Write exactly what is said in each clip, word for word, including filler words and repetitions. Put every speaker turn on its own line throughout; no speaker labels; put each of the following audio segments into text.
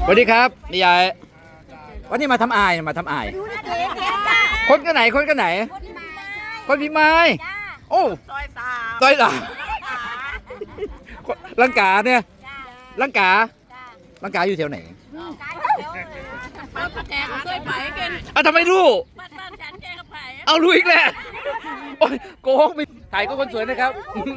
สวัสดีครับนี่ยายวันนี้มาทำอายมาทำอายคนกันไหนคนกันไหนคนพี่ไม้โอ้ซอยสามซอยสามลังกาเนี่ยลังกาลังกาอยู่แถวไหน
ป้าแกก็เคยไปกัน
อ่ะทำไมรู้
บ้านบ้านฉันแกก็ไป
เอารู้อีกแล้วโอ้ยโกงไปถ่ายก็คนสวยนะครับ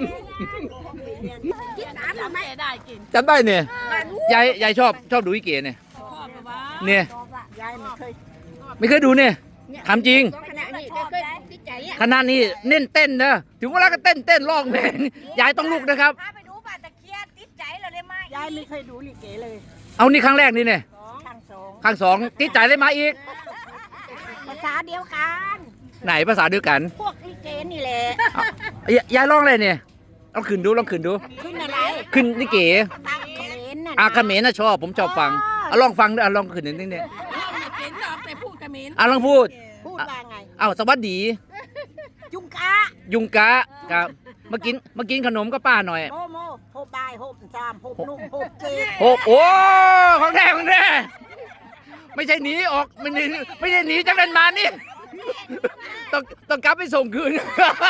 กินน้ำทำไมได้กิน
จำได้เนี่ยยายยายชอบชอบดูอีเก๋เนี่ยเนี่ย
ยายไม่เคย
ไม่เคยดูเนี่ยทำจริง
ขณะนี้แกเคยติดใจอ่ะ
ขนาดนี้เน้นเต้นนะถึงเวลาก็เต้นเต้นร้องเพลงยายต้องลุกนะครับ
พาไปดูป่าตะเคียนติดใจเราได้ไหมยายไม่เคยดูลิเกเลย
เอานี่ครั้งแรกนี่เนี่ย
ครั้งสอง
ครั้งสองติดใจเลยมาอีก
ภาษาเดียวกัน
ไหนภาษาเดียวกัน
พวกลิเกนี่แหละ
ยายร้องอะไรเนี่ยลองขึ้นดูลองขึ้นดู
ขึ้นอะไร
ขึ้นลิเก
ตังเขมน่ะ
อาเขมรน่ะชอบผมชอบฟังเอาลองฟังด้วยเอาลองขึ้นนิดนึงเนี่ย
เขมเราแต่พูดเขมร
เอาลองพูด
พูดว่าไง
เอาสวัสดี
ยุงกะ
ยุงกะครับมากินมากินขนมก็ป้าหน่อย
โมโมโฮบายโฮบจามโฮบนุ่มโฮบเกย์
โฮบโอ้ของแท้ของแท้ไม่ใช่หนีออกไม่ใช่ไม่ใช่หนีจากนั้นมานี่ต้องต้องกลับไปส่งคืน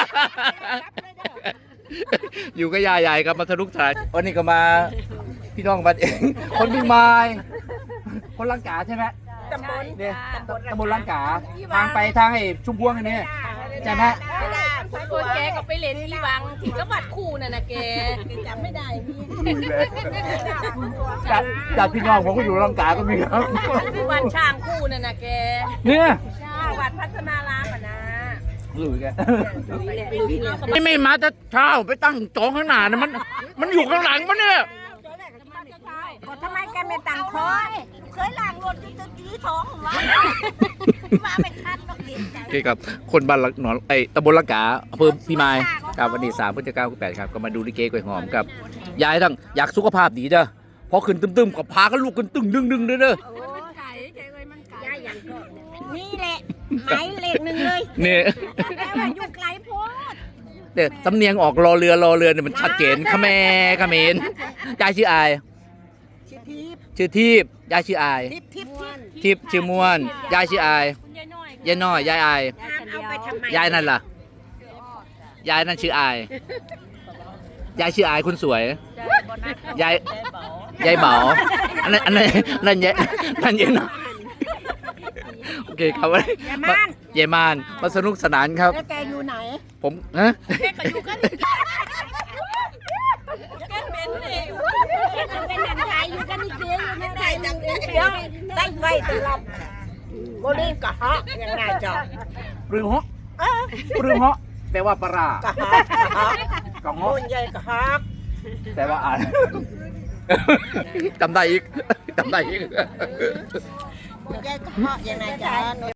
อยู่กับยายใหญ่กับมาสนุกสนานวันนี้ก็มาพี่น้องบัดเองคนพี่ไม้คนลังกาใช่ไหม
ตำบล
เนี่ยตำบลลังกาทางไปทางไอ้ชุมพวงอันนี้ใช่ไหม
คนแกก็ไปเล่นที่วังที่จังหวัดคู่น่ะนะแกจำไม่ได้
จากจากพี่น้องผมก็อยู่ลังกาก็มีครับ
ที่วัดช่างคู่น่ะนะแก
เนี่ย
วัดพัฒนารามอ่ะนะ
หรือแกไม่ไม่มาแต่เช้าไปตั้งจองข้างหน้านะมันมันอยู่ข้างหลังมันเนี่ย
ทำไมแกไม่ตั้งคอยเคยล้างรถจนจะยื้อท้องวะมาไม่ทันต้องเห็นใจ
โอเคครับคนบ้านหนองไอ้ตำบลลังกาอำเภอพี่ไม้ครับวันนี้สามพฤศจิกายนแปดครับก็มาดูลิเกกล้วยหอมกับยายทั้งอยากสุขภาพดีเด้อพอขึ้นตึมๆก็พากันลูกกันตึงดึงดึงเด้อเด้อ
นี่แหละหมายเลขหนึ่งเลย
เนี่ย
แต่ว่าอยู่ไกลโพด
เดี๋ยวสำเนียงออกรอเรือรอเรือเนี่ยมันชัดเจนขแมขเมนยายชื่ออายชื่อทิพย์ยายชื่ออายทิพย์ชื่อม่วนยายชื่ออายยายน้อยยายอายยายนั่นล่ะยายนั่นชื่ออายยายชื่ออายคุณสวยยายยายเหมาอันนั้นอันนั้นนั่นยายนั่นยายน้อยโอเคครับวันนี้เยมานมาสนุกสนานครับ
แล้วแกอยู่ไหน
ผมฮะ
แกก็อยู่กันแกเป็นเองเป็นนักไทยอยู่กันนี่เจ๊อยู่ในไทยจังเดียวได้ไว้สำหรับโบลีกะฮะยังไงจ๊ะ
ปรึงฮะปรึงฮะแปลว่าปลากะฮะกะฮะ
ใหญ่กะฮะ
แต่ว่าอ่านจำได้อีกจำได้อีก
ใหญ่กะฮะยังไงจ๊ะ